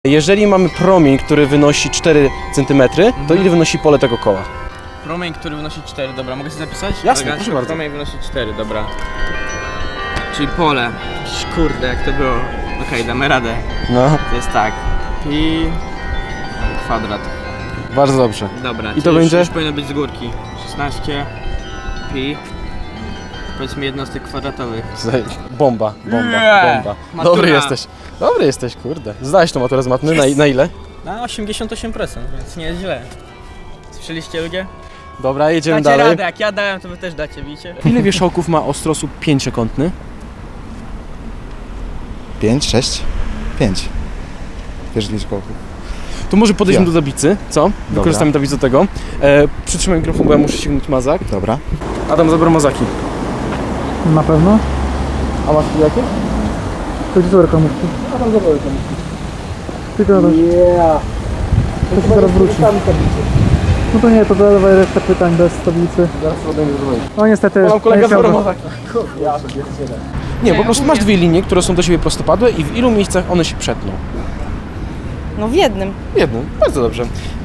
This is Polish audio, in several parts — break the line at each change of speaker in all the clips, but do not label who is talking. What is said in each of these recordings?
Jeżeli mamy promień, który wynosi 4 cm, to ile wynosi pole tego koła?
Promień, który wynosi 4, dobra, mogę sobie zapisać?
Jasne, proszę bardzo.
Promień wynosi 4, dobra. Czyli pole. Kurde, jak to było. Okej, damy radę.
No,
To jest tak. Pi... kwadrat.
bardzo dobrze.
Dobra,
I to
czyli
będzie?
już powinno być z górki. 16 pi... powiedzmy jednostek kwadratowych.
Bomba.
Matura.
Dobry jesteś, kurde. Zdałeś tą maturę z matmy, na ile?
Na 88%, więc nie jest źle. Słyszeliście ludzie?
Dobra, jedziemy
Dacie
dalej.
radę, jak ja dałem, to wy też dacie, widzicie?
Ile wierzchołków ma ostrosłup pięciokątny?
5, 6, 5. Wierzchni kołków.
To może podejdźmy
Ja.
do tablicy, co? Wykorzystamy tablicę do tego. Przytrzymaj mikrofon, bo ja muszę sięgnąć mazak.
Dobra.
Adam zabrał mazaki.
Na pewno?
A masz tu jakieś?
To gdzie są komórki?
Adam zabrał tam.
Tylko na to. To się zaraz wróci. No to nie, to dawaj resztę pytań bez tablicy.
Zaraz to będę zrobić.
No niestety.
Mam kolega
nie chciałbym.
zabrał mazaki. Nie, po prostu masz dwie linie, które są do siebie prostopadłe i w ilu miejscach one się przetną?
No w jednym.
Jedną, bardzo dobrze.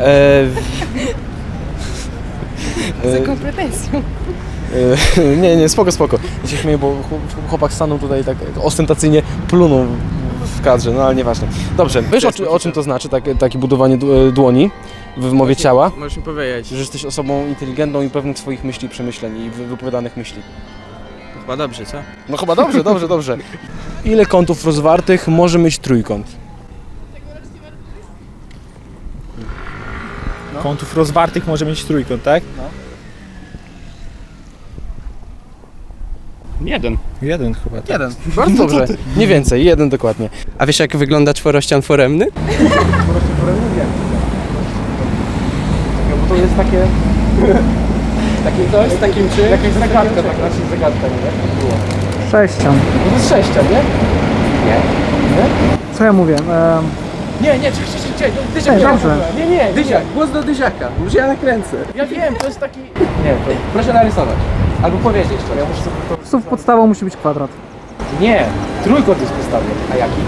Z jaką pretensją?
Nie, spoko. Ja się śmieję, bo chłopak stanął tutaj tak ostentacyjnie plunął w kadrze, no ale nieważne. Dobrze, wiesz o czym to znaczy, takie budowanie dłoni w wymowie ciała?
Możesz mi powiedzieć.
Że jesteś osobą inteligentną i pewnych swoich myśli, przemyśleń i wypowiadanych myśli.
Chyba dobrze, co?
No chyba dobrze. Ile kątów rozwartych może mieć trójkąt?
Kątów rozwartych może mieć trójkąt, tak?
Jeden.
Jeden chyba, tak.
Jeden. Bardzo dobrze. Nie więcej, jeden dokładnie.
A wiesz, jak wygląda czworościan foremny?
Bo to jest takie... Takie coś z takim czymś? Jakaś zagadka, tak raczej zagadka, nie?
Sześcian.
No to jest sześcian, nie?
Co ja mówię?
Nie, Dyziak,
dobrze.
Nie, Dyziak, głos do Dyziaka, już ja nakręcę. Ja wiem, to jest taki... Nie, to proszę narysować. Albo powiedzieć to, ja muszę sobie to...
Słów podstawą musi być kwadrat.
Nie, trójkąt jest postawiony. A jaki?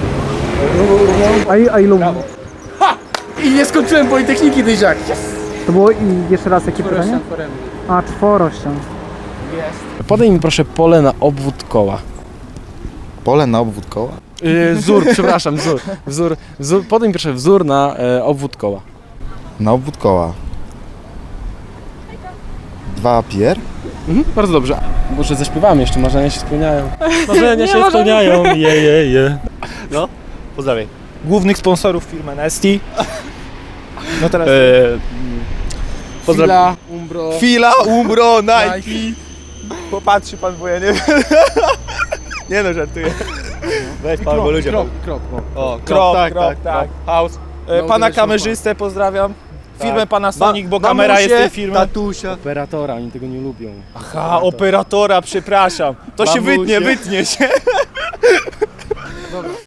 A ilu?
I nie skończyłem Politechniki, Dyziak.
To było i jeszcze raz jakie pytanie? A, czworościan.
Podaj mi proszę pole na obwód koła.
Pole na obwód koła.
Wzór, przepraszam, wzór. Podaj mi proszę wzór na obwód koła.
Na obwód koła. 2 pier.
Bardzo dobrze. Może zaśpiewamy jeszcze, marzenia się spełniają. Marzenia się spełniają, je.
No, pozdrawiam. Głównych sponsorów firmy Nesty. No teraz...
Fila, Umbro.
Fila, Umbro, Nike. Popatrzy pan, bo ja nie wiem. Nie no, żartuję. Weź pan, bo ludzie...
Krok.
O,
tak.
tak. House.
No,
Pana
to
kamerzystę pozdrawiam. Firmę
Tak.
Panasonic, bo kamera jest tej firmy.
Tatusia.
Operatora, oni tego nie lubią.
Aha, operatora, przepraszam. To się
Mamusie.
wytnie się.